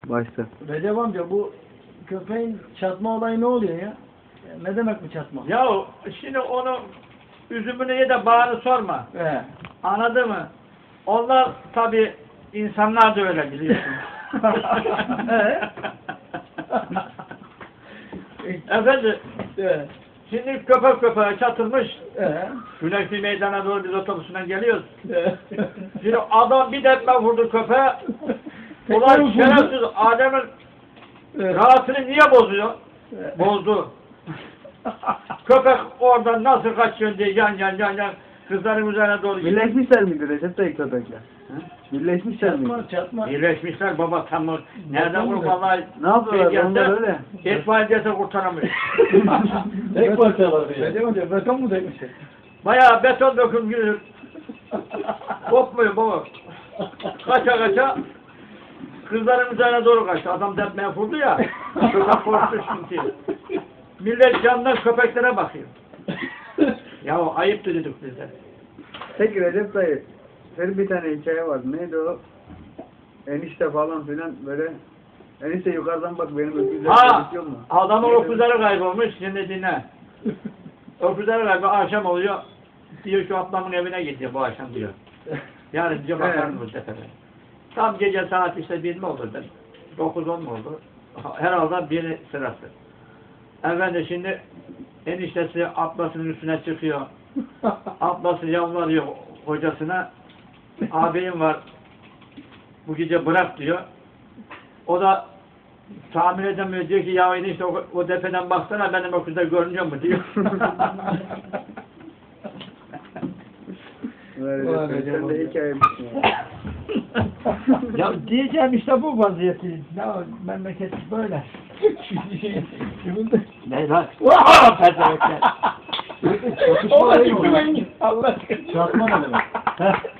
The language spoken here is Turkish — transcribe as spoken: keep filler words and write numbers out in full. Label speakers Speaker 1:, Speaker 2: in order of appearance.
Speaker 1: Başta.
Speaker 2: Recep amca bu köpeğin çatma olayı ne oluyor ya? Ne demek bu çatma?
Speaker 3: Ya şimdi onu üzümünü ye de bağını sorma.
Speaker 2: He.
Speaker 3: Anladın mı? Onlar tabi insanlar da öyle biliyorsun. Efendim,
Speaker 2: Evet.
Speaker 3: şimdi köpek köpeğe çatılmış.
Speaker 2: Evet.
Speaker 3: Güneşli meydana doğru biz otobüsünden geliyoruz.
Speaker 2: Evet.
Speaker 3: Şimdi adam bir depme vurdu köpeğe.
Speaker 2: Tekrar
Speaker 3: Ulan
Speaker 2: vurdu.
Speaker 3: şerefsiz Adem'in
Speaker 2: Evet.
Speaker 3: rahatını niye bozuyor?
Speaker 2: Evet.
Speaker 3: Bozdu. Köpek oradan nasıl kaçıyor diye yan yan yan yan kızların üzerine doğru gidiyor.
Speaker 1: Birleşmişler miydi Recep dayı köpekler? Birleşmişler miydi?
Speaker 2: Çatma çatma.
Speaker 3: Birleşmişler baba tam o. Nereden
Speaker 2: Yapamıyor.
Speaker 3: vurup vallahi
Speaker 1: Ne yapıyorlar?
Speaker 3: şey
Speaker 1: Onlar
Speaker 3: gelse,
Speaker 1: öyle.
Speaker 3: etfaiyece kurtaramıyor.
Speaker 2: Tek parçalar ya. Recep amca beton mu dökmüşsün?
Speaker 3: Bayağı beton dökülmüş. Kopmuyor baba. Kaça kaça kızların üzerine doğru kaçtı. Adam depmeye vurdu ya. Köpek korktu şimdi. Millet candan köpeklere bakıyor. Ya o ayıptı dedik biz de.
Speaker 1: Peki Recep dayı, senin bir tane hikaye vardı. Neydi o? Enişte falan filan böyle. Enişte yukarıdan bak benim öküzlerim
Speaker 3: Ha,
Speaker 1: gözüküyor mu?
Speaker 3: adamın öküzleri kaybolmuş. Şimdi dinle. Öküzleri kaybolmuş. Akşam oluyor. Diyor şu ablamın evine gidiyor bu akşam diyor. Yani diyor bakarım bu sefer. Tam gece saat işte bir mi oldu? Dokuz on mu oldu? Herhalde biri sırası. Efendim şimdi eniştesi ablasının üstüne çıkıyor. Ablası yalvarıyor hocasına. Abim var. Bu gece bırak diyor. O da tahmin edemiyor. Diyor ki ya enişte o, o tepeden baksana benim öküzde görünüyor mu diyor.
Speaker 1: Böyle Recep, sen de hikaye misin ya?
Speaker 3: Ya diyeceğim işte bu vaziyeti. Ya memleket böyle. Ne lan? Pezevenkler.
Speaker 2: O da çıkmayın. Allah aşkına. Çatma ne demek?